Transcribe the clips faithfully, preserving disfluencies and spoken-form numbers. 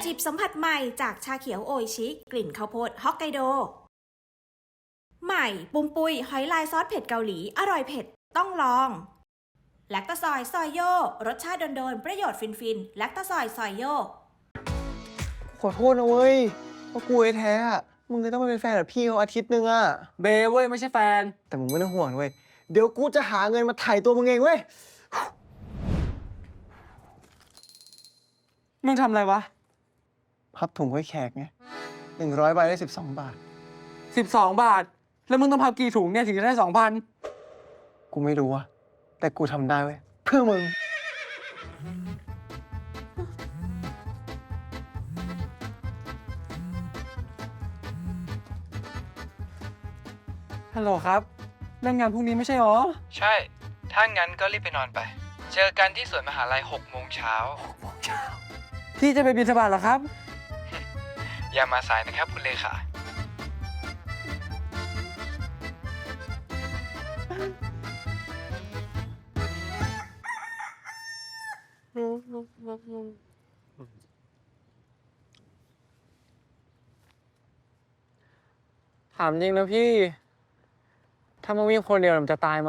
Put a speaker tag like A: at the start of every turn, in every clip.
A: จิบสัมผัสใหม่จากชาเขียวโออิชิกลิ่นข้าวโพดฮอกไกโดใหม่ปุมปุยหอยลายซอสเผ็ดเกาหลีอร่อยเผ็ดต้องลองแลคตาซอยซอยโยรสชาติโดนๆประโยชน์ฟินๆแลคตาซอยซอยโย
B: ขอโทษนะเว้ยว่ากูไอ้แท้อะมึงเลยต้องมาเป็นแฟนกับพี่เขาอาทิตย์นึงอะ
C: เบเว้ยไม่ใช่แฟน
B: แต่มึงไม่ต้องห่วงเว้ยเดี๋ยวกูจะหาเงินมาไถ่ตัวมึงเองเว้ย
C: มึงทำอะไรวะ
B: พับถุงไว้แขกไงหนึ่งร้อยใบได้สิบสองบาท
C: สิบสองบาทแล้วมึงต้องพับกี่ถุงเนี่ยถึงจะได้สองพัน
B: กูไม่รู้อะแต่กูทำได้เว้ยเพื่อมึง
C: ฮัลโหลครับเรื่องงานพรุ่งนี้ไม่ใช่หรอ
D: ใช่ถ้างั้นก็รีบไปนอนไปเจอกันที่สวนมหาลัยหกโมงเช้า
C: หกโมงเช้าพี่จะไปบิณฑบาตเหรอครับ
D: อย่ามาสายนะครับคุณเลขา
C: ถามจริงนะพี่ถ้ามาวิ่งคนเดียวมันจะตายไหม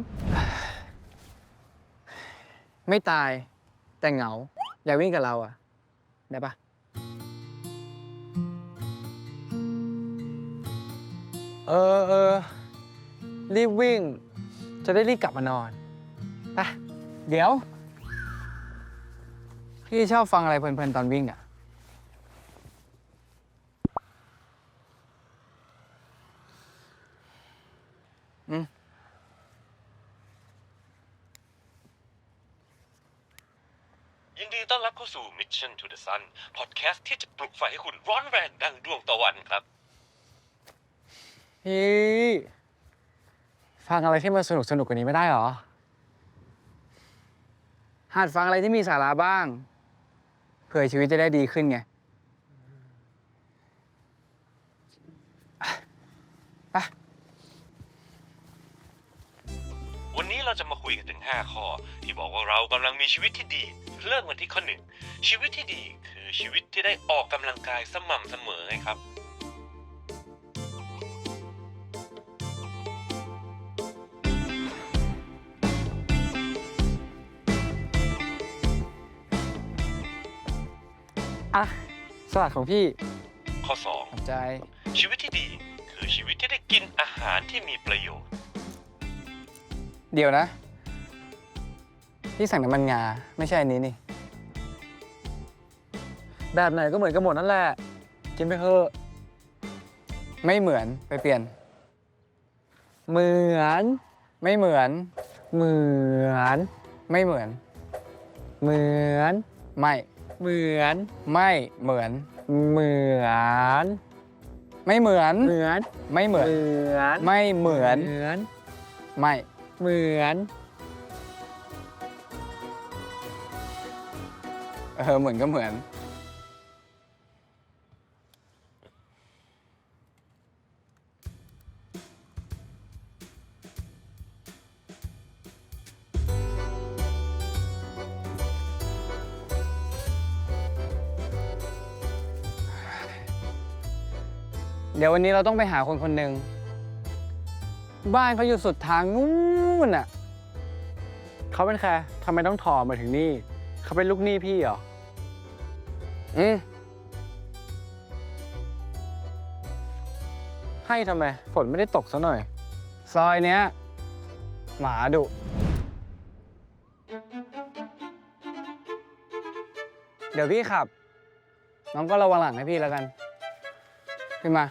B: ไม่ตายแต่เหงาอยากวิ่งกับเราอะได้ปะเออเออรีบวิ่งจะได้รีบกลับมานอนไปเดี๋ยวพี่ชอบฟังอะไรเพลินๆตอนวิ่งอะอืม
E: ยินดีต้อนรับเข้าสู่ Mission to the Sun พอดแคสต์ที่จะปลุกไฟให้คุณร้อนแรงดังดวงตะวันครับ
C: พี่ฟังอะไรที่มันสนุกสนุกกว่านี้ไม่ได้หรอหัดฟังอะไรที่มีสาระบ้างเผื่อชีวิตจะได้ดีขึ้นไงไป
E: วันนี้เราจะมาคุยกันถึงห้าข้อที่บอกว่าเรากำลังมีชีวิตที่ดีเริ่มกันที่ข้อหนึ่งชีวิตที่ดีคือชีวิตที่ได้ออกกำลังกายสม่ำเสมอไงครับ
C: อ่ะสลัดของพี่
E: ข้อสอง
C: ขอบใจ
E: ชีวิตที่ดีคือชีวิตที่ได้กินอาหารที่มีประโยชน์
C: เดี๋ยวนะพี่สั่งน้ำมันงาไม่ใช่อันนี้นี่แบบไหนก็เหมือนกันหมดนั่นแหละกินไปเถอะไม่เหมือนไปเปลี่ยนเหมือนไม่เหมือนเหมือนไม่เหมือนเหมือนไม่เหมือนไม่เหมือนเหมือนไม่เหมือนเหมือนไม่เหมือนไม่เหมือนเหมือนไม่เหมือนเออเหมือนก็เหมือนเดี๋ยววันนี้เราต้องไปหาคนคนหนึ่งบ้านเขาอยู่สุดทางนู้นน่ะเขาเป็นใครทำไมต้องถอมาถึงนี่เขาเป็นลูกหนี้พี่เหรออืมให้ทำไมฝนไม่ได้ตกซะหน่อยซอยเนี้ยหมาดุเดี๋ยวพี่ขับน้องก็ระวังหลังให้พี่แล้วกันขึ้นมา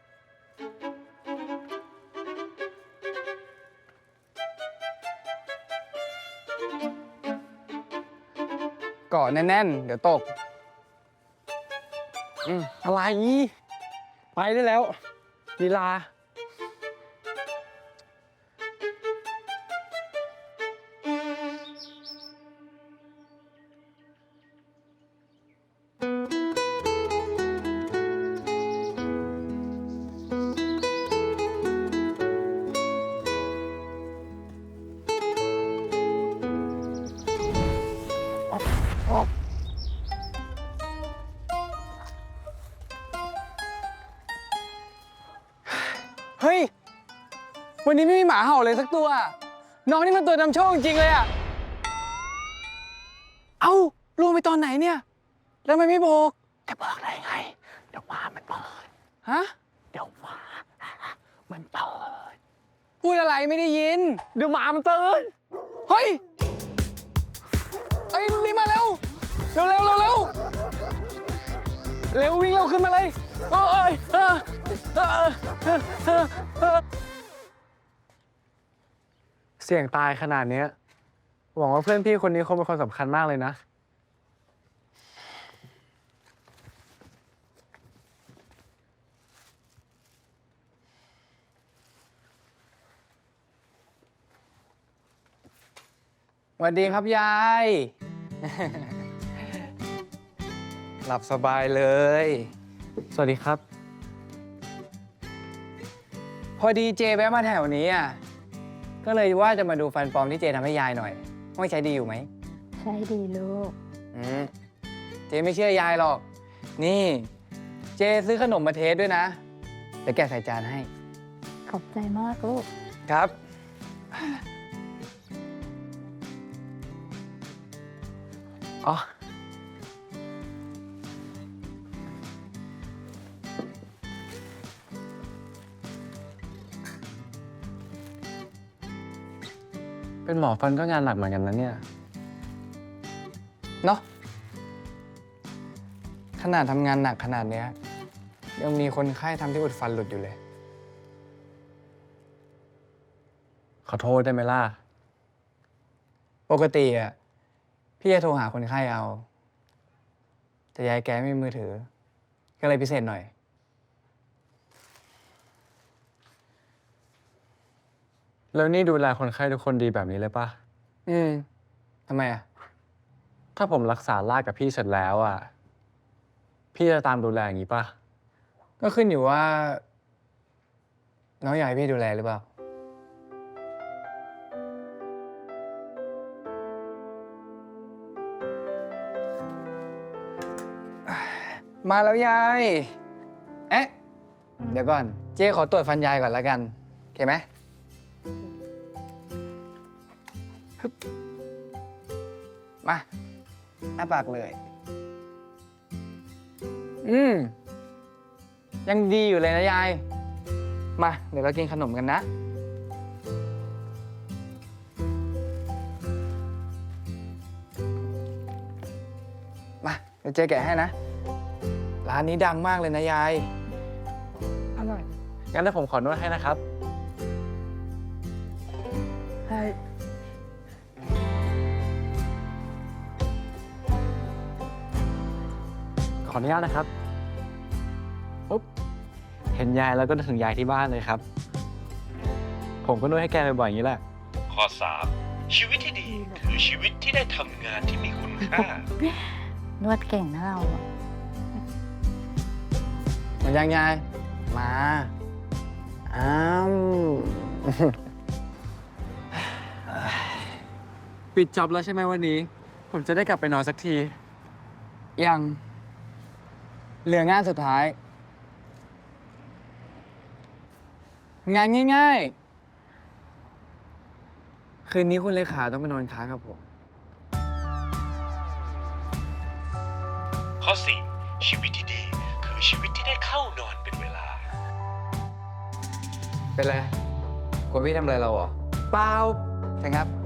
C: เกาะแน่นๆเดี๋ยวตกอืมอะไรไปได้แล้วลีลาวันนี้ไม่มีหมาเห่าเลยสักตัว น้องนี่มันตัวนำโชคจริงๆเลยอะเอ้าลงไปตอนไหนเนี่ยแล้วทำไมไม่บอกจะบอกได้ไง เดี๋ยวหมามันเปิดฮะเดี๋ยวหมามันเปิดพูดอะไรไม่ได้ยิน เดี๋ยวหมามันตื่นเฮ้ยไอ้ยรีบมาเร็วเร็วเร็วเร็วเร็วเร็ววิ่งเร็วขึ้นมาเลยโอ้ยเออเออเออเออเออ
B: เสี่ยงตายขนาดเนี้ยหวังว่าเพื่อนพี่คนนี้คงเป็นคนสำคัญมากเลยนะ
C: สวัสดีครับยาย หลับสบายเลย
B: สวัสดีครับ
C: พอดีเจแวะมาแถวนี้อ่ะ ก็เลยว่าจะมาดูฟันปลอมที่เจทำให้ยายหน่อยว่าใช้ดีอยู่ไหม
F: ใช่ดีลูก
C: อืมเจไม่เชื่อยายหรอก นี่ เจซื้อขนมมาเทสด้วยนะเดี๋ยวแกะใส่จานให้
F: ขอบใจมากลูก
C: ครับ
B: อ๋อ เป็นหมอฟันก็งานหนักเหมือนกันนะเนี่ย
C: เนาะขนาดทำงานหนักขนาดเนี้ยยังมีคนไข้ทำที่อุดฟันหลุดอยู่เลย
B: ขอโทษได้ไหมล่ะ
C: ปกติอ่ะพี่จะโทรหาคนไข้เอา แต่ยายแกไม่มีมือถือ ก็เลยพิเศษหน่อย
B: แล้วนี่ดูแลคนไข้ทุกคนดีแบบนี้เลยปะ
C: อืมทำไมอ่ะ
B: ถ้าผมรักษาลากกับพี่เสร็จแล้วอ่ะ พี่จะตามดูแลอย่างนี้ปะ
C: ก็ขึ้นอยู่ว่า น้องอยากให้พี่ดูแลหรือเปล่า มาแล้วยาย เอ๊ะ เดี๋ยวก่อน เจ๊ขอตรวจฟันยายก่อนแล้วกัน โอเคไหมฮึบมาอ้าปากเลย อืม ยังดีอยู่เลยนะยาย มา เดี๋ยวเรากินขนมกันนะ มา เดี๋ยวเจ๊แกะให้นะ ร้านนี้ดังมากเลยนะยาย
F: อร่อย
B: งั้นถ้าผมขอนวดให้นะครับ
F: ใช่
B: ขออนุญาตนะครับ ปุ๊บ เห็นยายแล้วก็นึกถึงยายที่บ้านเลยครับ ผมก็นวดให้แกบ่อยๆอย่างนี้แหละ
E: ข้อ สาม ชีวิตที่ดีคือชีวิตที่ได้ทำงานที่มีคุณค่า
F: นวดเก่งนะเราอะ
C: หมดยังยาย มา อ้าว
B: ปิดจ็อบแล้วใช่ไหมวันนี้ ผมจะได้กลับไปนอนสักที
C: ยัง เหลืองานสุดท้าย งานง่ายๆ คืนนี้คุณเลขาต้องไปนอนค้างกับผม
E: ข้อ สี่ ชีวิตที่ดีคือชีวิตที่ได้เข้านอนเป็นเวลา
C: เป็นไรกลัวพี่ทำอะไรเราเหรอ เปล่าใช่ครับ